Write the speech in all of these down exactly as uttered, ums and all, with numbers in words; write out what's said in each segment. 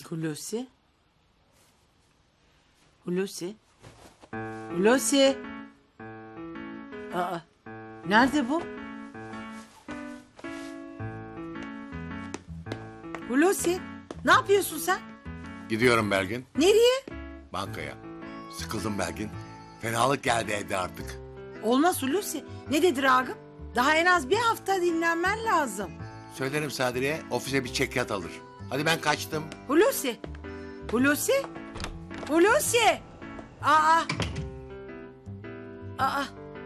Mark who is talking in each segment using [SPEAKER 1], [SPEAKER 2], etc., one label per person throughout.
[SPEAKER 1] Hulusi? Hulusi? Hulusi? Aa, nerede bu? Hulusi, ne yapıyorsun sen?
[SPEAKER 2] Gidiyorum Belgin.
[SPEAKER 1] Nereye?
[SPEAKER 2] Bankaya. Sıkıldım Belgin. Fenalık geldi evde artık.
[SPEAKER 1] Olmaz Hulusi. Ne dedi Ragıp? Daha en az bir hafta dinlenmen lazım.
[SPEAKER 2] Söylerim Sadri'ye, ofise bir çekyat alır. Hadi ben kaçtım.
[SPEAKER 1] Hulusi. Hulusi. Hulusi. Aa. Aa.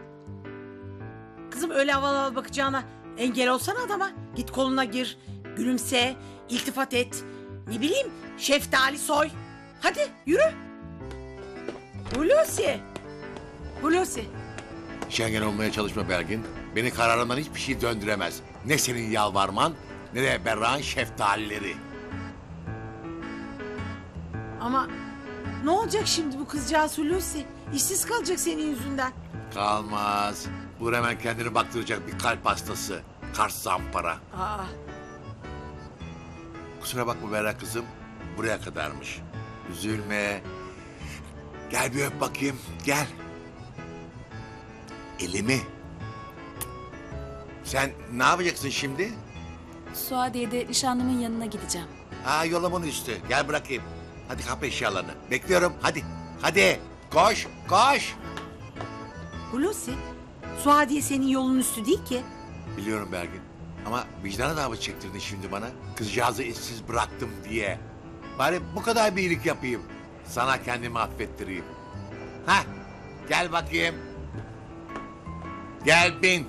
[SPEAKER 1] Kızım öyle havalı havalı bakacağına engel olsana adama. Git koluna gir. Gülümse. İltifat et. Ne bileyim şeftali soy. Hadi yürü. Hulusi. Hulusi.
[SPEAKER 2] Şengen olmaya çalışma Belgin. Beni kararımdan hiçbir şey döndüremez. Ne senin yalvarman ne de Berra'nın şeftalileri.
[SPEAKER 1] Ama ne olacak şimdi bu kızcağız Hulusi? İşsiz kalacak senin yüzünden.
[SPEAKER 2] Kalmaz. Bu hemen kendini baktıracak bir kalp hastası. Kars zampara.
[SPEAKER 1] Aa.
[SPEAKER 2] Kusura bakma Berra kızım. Buraya kadarmış. Üzülme. Gel bir öp bakayım. Gel. Elimi. Sen ne yapacaksın şimdi?
[SPEAKER 3] Suadiye'de nişanlımın yanına gideceğim.
[SPEAKER 2] Ha yolumun üstü. Gel bırakayım. Hadi kap eşyalarını. Bekliyorum. Hadi. Hadi. Koş. Koş.
[SPEAKER 1] Hulusi. Suadiye senin yolun üstü değil ki.
[SPEAKER 2] Biliyorum Belgin. Ama vicdan davası çektirdin şimdi bana. Kızcağızı işsiz bıraktım diye. Bari bu kadar bir iyilik yapayım. Sana kendimi affettireyim. Ha? Gel bakayım. Gel bin.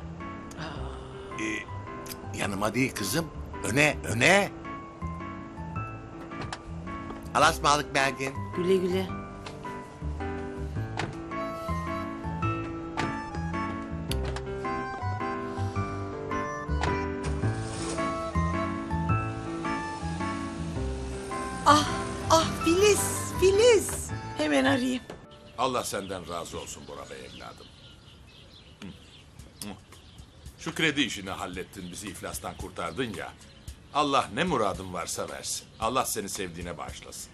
[SPEAKER 2] Ee, yanıma değil kızım. Öne, öne. Alasmalık Belgin.
[SPEAKER 1] Güle güle. Ah, ah Filiz, Filiz. Hemen arayayım.
[SPEAKER 4] Allah senden razı olsun Bora Bey evladım. Hı. Hı. Şu kredi işini hallettin, bizi iflastan kurtardın ya. Allah ne muradın varsa versin. Allah seni sevdiğine bağışlasın.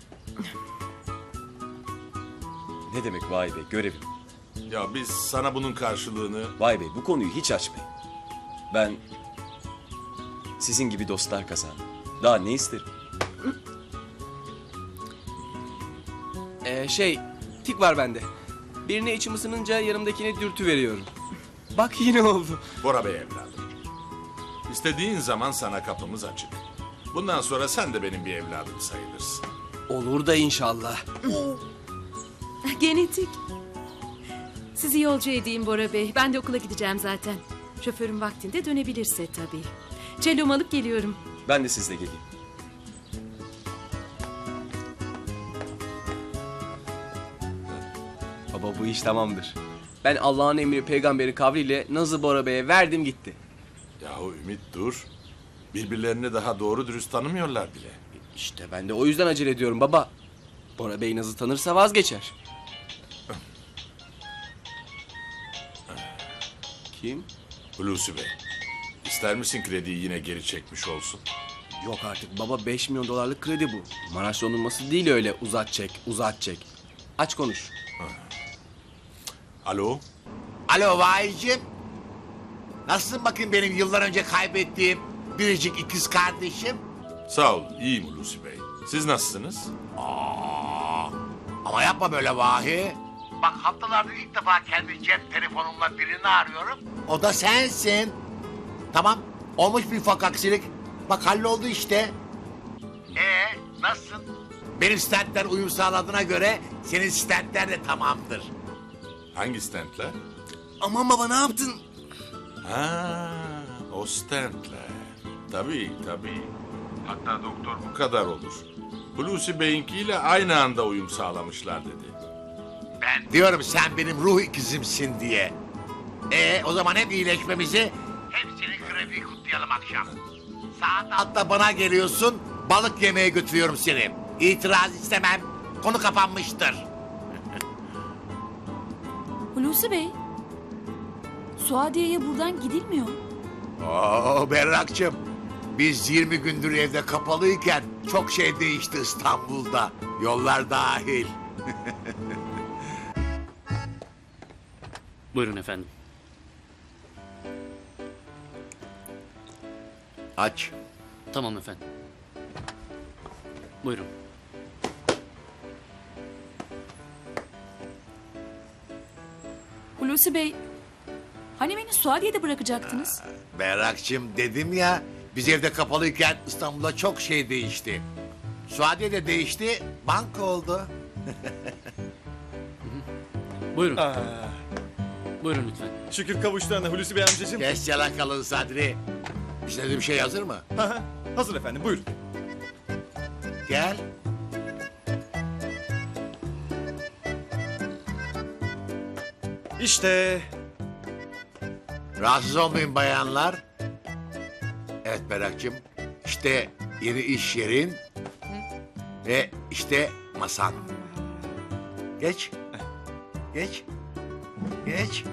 [SPEAKER 5] Ne demek vay bey, görevim.
[SPEAKER 4] Ya biz sana bunun karşılığını...
[SPEAKER 5] Vay bey, bu konuyu hiç açmayın. Ben sizin gibi dostlar kazandım. Daha ne isterim?
[SPEAKER 6] Ee, şey, tik var bende. Birine içim ısınınca yanımdakine dürtü veriyorum. Bak yine oldu.
[SPEAKER 4] Bora Bey evladım. İstediğin zaman sana kapımız açık. Bundan sonra sen de benim bir evladım sayılırsın.
[SPEAKER 6] Olur da inşallah.
[SPEAKER 3] Genetik. Sizi yolcu edeyim Bora Bey. Ben de okula gideceğim zaten. Şoförüm vaktinde dönebilirse tabii. Cello'mu alıp geliyorum.
[SPEAKER 5] Ben de sizle geleyim.
[SPEAKER 6] Baba bu iş tamamdır. Ben Allah'ın emri peygamberi kavliyle Nazı Bora Bey'e verdim gitti.
[SPEAKER 4] Yahu Ümit dur. Birbirlerini daha doğru dürüst tanımıyorlar bile.
[SPEAKER 6] İşte ben de o yüzden acele ediyorum baba. Bora Bey Naz'ı tanırsa vazgeçer. Kim?
[SPEAKER 4] Hulusi Bey. İster misin krediyi yine geri çekmiş olsun?
[SPEAKER 6] Yok artık baba, beş milyon dolarlık kredi bu. Maraş dondurması değil öyle uzat çek, uzat çek. Aç konuş.
[SPEAKER 4] Alo?
[SPEAKER 2] Alo vahiyciğim. Nasılsın bakayım benim yıllar önce kaybettiğim biricik ikiz kardeşim?
[SPEAKER 4] Sağ ol, iyiyim Hulusi Bey. Siz nasılsınız?
[SPEAKER 2] Aa, ama yapma böyle vahi. Bak haftalardır ilk defa kendi cep telefonumla birini arıyorum. O da sensin. Tamam, olmuş bir ufak aksilik. Bak halloldu işte. Ee, nasılsın? Benim stentler uyum sağladığına göre senin stentler de tamamdır.
[SPEAKER 4] Hangi stentler?
[SPEAKER 6] Aman baba ne yaptın?
[SPEAKER 4] Ha, o stentler. Tabii, tabii. Hatta doktor bu kadar olur. Hulusi Bey'inkiyle aynı anda uyum sağlamışlar dedi.
[SPEAKER 2] Ben diyorum sen benim ruh ikizimsin diye. Ee, o zaman hep iyileşmemizi, hep senin krefiyi kutlayalım akşam. Saat altta bana geliyorsun, balık yemeye götürüyorum seni. İtiraz istemem, konu kapanmıştır.
[SPEAKER 3] Hulusi Bey. Suadiye'ye buradan gidilmiyor.
[SPEAKER 2] Oo Berrak'cığım, Biz yirmi gündür evde kapalıyken çok şey değişti İstanbul'da. Yollar dahil.
[SPEAKER 7] Buyurun efendim.
[SPEAKER 2] Aç.
[SPEAKER 7] Tamam efendim. Buyurun.
[SPEAKER 8] Hulusi Bey, hani beni Suadiye'de bırakacaktınız?
[SPEAKER 2] Berrak'cığım dedim ya, biz evde kapalıyken İstanbul'da çok şey değişti. Suadiye de değişti, banka oldu.
[SPEAKER 7] Buyurun.
[SPEAKER 9] Aa,
[SPEAKER 7] Buyurun lütfen.
[SPEAKER 9] şükür kavuştuğuna Hulusi Bey amcacığım.
[SPEAKER 2] Kes yalakalın Sadri. İstediğim şey hazır mı?
[SPEAKER 9] Ha, ha, hazır efendim, buyurun.
[SPEAKER 2] Gel.
[SPEAKER 9] İşte
[SPEAKER 2] Rahatsız olmayın bayanlar. Evet Berrak'cığım, işte yeni iş yerin ve işte masan. Geç. Geç. Geç.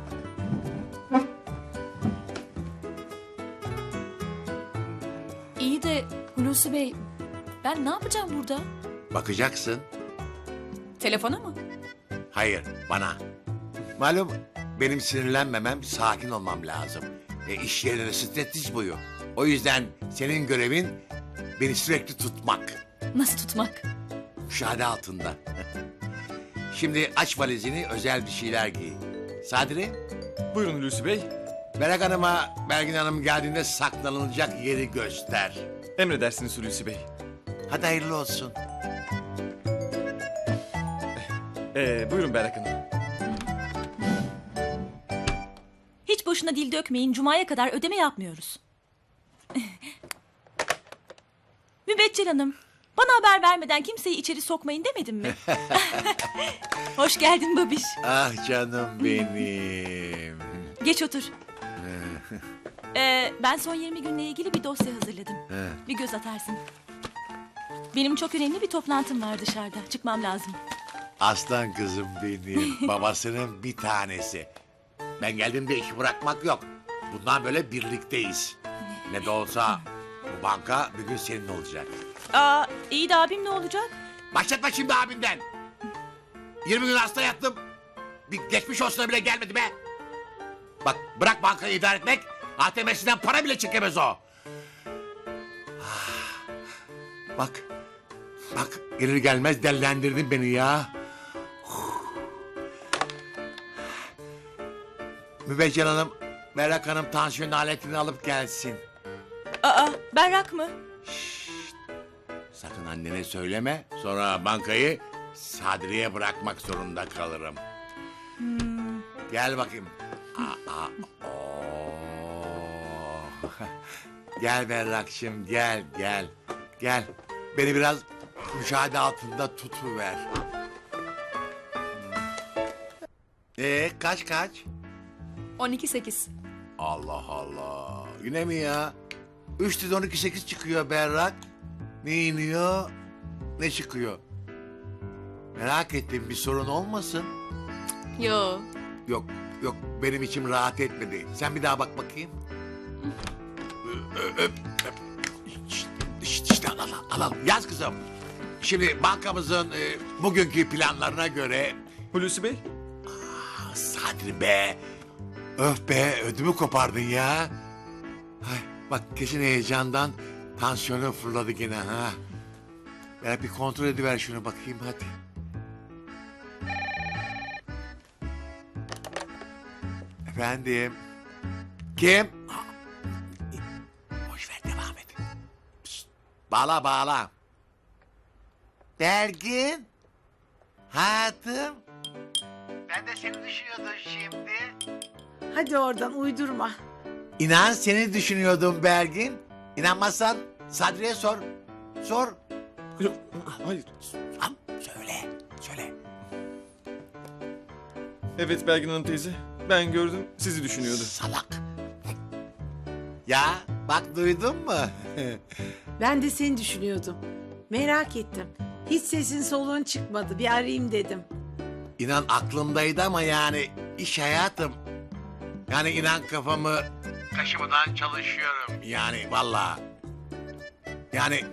[SPEAKER 8] İyi de Hulusi Bey, ben ne yapacağım burada?
[SPEAKER 2] Bakacaksın.
[SPEAKER 8] Telefona mı?
[SPEAKER 2] Hayır, bana. Malum benim sinirlenmemem, sakin olmam lazım. Ve iş yerinde stresiz boyu. O yüzden senin görevin beni sürekli tutmak.
[SPEAKER 8] Nasıl tutmak?
[SPEAKER 2] Müşahede altında. Şimdi aç valizini, özel bir şeyler giy. Sadri,
[SPEAKER 9] buyurun Hulusi Bey.
[SPEAKER 2] Berrak Hanım'a Belgin Hanım geldiğinde saklanılacak yeri göster.
[SPEAKER 9] Emredersiniz Hulusi Bey.
[SPEAKER 2] Hadi hayırlı olsun.
[SPEAKER 9] Ee, buyurun Berrak Hanım.
[SPEAKER 8] Hiç boşuna dil dökmeyin, Cuma'ya kadar ödeme yapmıyoruz. Mübeccel Hanım, bana haber vermeden kimseyi içeri sokmayın demedim mi? Hoş geldin babiş.
[SPEAKER 2] Ah canım benim.
[SPEAKER 8] Geç otur. Ee, ben son yirmi günle ilgili bir dosya hazırladım. Bir göz atarsın. Benim çok önemli bir toplantım var dışarıda. Çıkmam lazım.
[SPEAKER 2] Aslan kızım benim. Babasının bir tanesi. Ben geldiğimde işi bırakmak yok. Bundan böyle birlikteyiz. Ne de olsa bu banka bir gün senin olacak.
[SPEAKER 8] Aa, iyi de abim ne olacak?
[SPEAKER 2] Başlatma şimdi abinden. yirmi gün hasta yattım. Bir geçmiş olsuna bile gelmedi be. Bak bırak bankayı idare etmek. A T M'sinden para bile çekemez o. Ah, Bak. Bak gelir gelmez dellendirdin beni ya. Mübeccel Hanım, Berrak Hanım tansiyon aletini alıp gelsin.
[SPEAKER 8] Aa, berrak mı?
[SPEAKER 2] Sakın annene söyleme. Sonra bankayı Sadri'ye bırakmak zorunda kalırım. Gel bakayım. Aa, aa, oo. Gel Berrak'cığım gel gel. Gel. Beni biraz müşahede altında tutuver. Ee kaç kaç?
[SPEAKER 8] on iki sekiz.
[SPEAKER 2] Allah Allah. Yine mi ya? Üç yüz on iki sekiz çıkıyor Berrak. Ne iniyor, ne çıkıyor? Merak ettim bir sorun olmasın.
[SPEAKER 8] Yo.
[SPEAKER 2] Yok, yok benim içim rahat etmedi. Sen bir daha bak bakayım. Öp, öp, öp. İşte, işte, işte al, al, al, al. Yaz kızım. Şimdi bankamızın e, bugünkü planlarına göre...
[SPEAKER 9] Hulusi Bey.
[SPEAKER 2] Ah, Sadri be. Öf be ödümü kopardın ya. Ay, bak kesin heyecandan tansiyonu fırladı gene ha. Ben bir kontrol ediver şunu bakayım hadi. Efendim. Kim? Boş ver devam et. Pişt, bağla bağla. Belgin. Hayatım. Ben de seni düşünüyordum şimdi.
[SPEAKER 1] Hadi oradan uydurma.
[SPEAKER 2] İnan seni düşünüyordum Belgin. İnanmazsan Sadri'ye sor. Sor.
[SPEAKER 9] Yok, hayır.
[SPEAKER 2] Al, söyle, söyle.
[SPEAKER 9] Evet Belgin Hanım teyze. Ben gördüm, sizi düşünüyordu.
[SPEAKER 2] Salak. Ya bak duydun mu?
[SPEAKER 1] Ben de seni düşünüyordum. Merak ettim. Hiç sesin soluğun çıkmadı. Bir arayayım dedim.
[SPEAKER 2] İnan aklımdaydı ama yani iş hayatım. Yani inan kafamı kaşımadan çalışıyorum. Yani vallahi Yani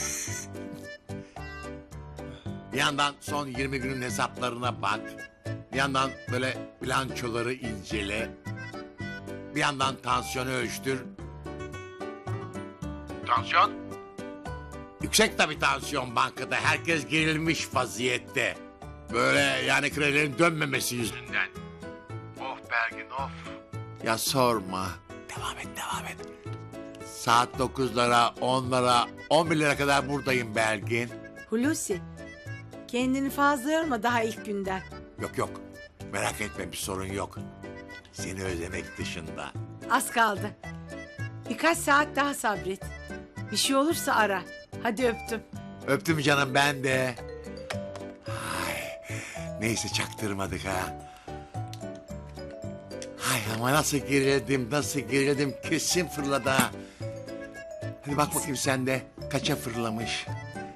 [SPEAKER 2] bir yandan son yirmi günün hesaplarına bak. Bir yandan böyle bilançoları incele. Bir yandan tansiyonu ölçtür. Tansiyon? Yüksek tabii tansiyon bankada. Herkes gerilmiş vaziyette. Böyle yani kredilerin dönmemesi yüzünden. Of Belgin of. Ya sorma. Devam et devam et. Saat dokuzlara, onlara, on birlere kadar buradayım Belgin.
[SPEAKER 1] Hulusi, kendini fazla yorma daha ilk günden.
[SPEAKER 2] Yok yok. Merak etme bir sorun yok. Seni özlemek dışında.
[SPEAKER 1] Az kaldı. Birkaç saat daha sabret. Bir şey olursa ara. Hadi öptüm.
[SPEAKER 2] Öptüm canım ben de. Ay, neyse çaktırmadık ha. Ay ama nasıl gerildim, nasıl gerildim kesin fırladı ha. Hadi bak bakayım sen de kaça fırlamış.